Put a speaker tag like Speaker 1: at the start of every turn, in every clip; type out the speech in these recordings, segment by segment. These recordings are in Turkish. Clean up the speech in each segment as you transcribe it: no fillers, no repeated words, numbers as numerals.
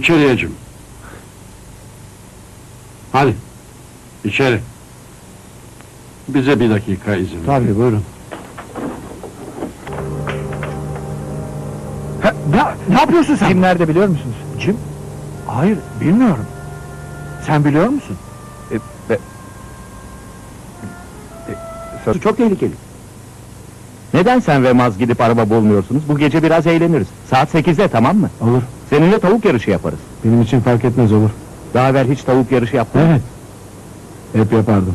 Speaker 1: Zekeriyeciğim. Hadi, içeri. Bize bir dakika izin ver.
Speaker 2: Tabii, buyurun. Ne yapıyorsun sen?
Speaker 3: Kim nerede biliyor musunuz?
Speaker 2: Kim? Hayır, bilmiyorum. Sen biliyor musun?
Speaker 3: Çok tehlikeli. Neden sen ve Maz gidip araba bulmuyorsunuz? Bu gece biraz eğleniriz. Saat 8'de, tamam mı?
Speaker 2: Olur.
Speaker 3: Seninle tavuk yarışı yaparız.
Speaker 2: Benim için fark etmez, olur.
Speaker 3: Daha evvel hiç tavuk yarışı yaptın mı?
Speaker 2: Evet. Hep yapardım.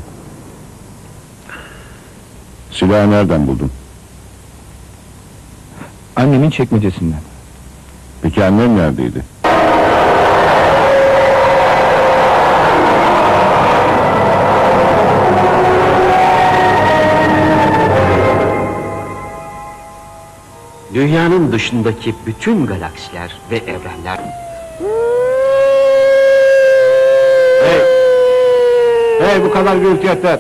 Speaker 1: Silahı nereden buldun?
Speaker 3: Annemin çekmecesinden.
Speaker 1: Peki annen neredeydi?
Speaker 4: Dünyanın dışındaki bütün galaksiler ve evrenler...
Speaker 3: Hey, bu kadar gürültü yeter.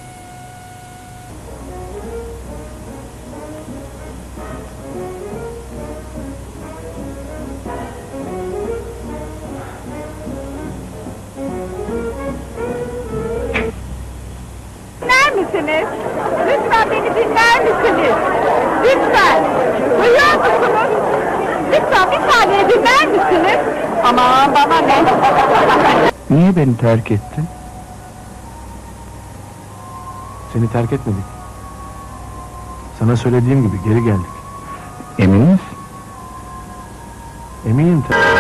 Speaker 5: Dinler misiniz? Lütfen beni dinler misiniz? Lütfen! Duyuyor musunuz? Lütfen bir saniye dinler misiniz? Aman bana ne?
Speaker 3: Niye beni terk ettin?
Speaker 2: Seni terk etmedik. Sana söylediğim gibi geri geldik.
Speaker 3: Emin misin?
Speaker 2: Eminim tabii.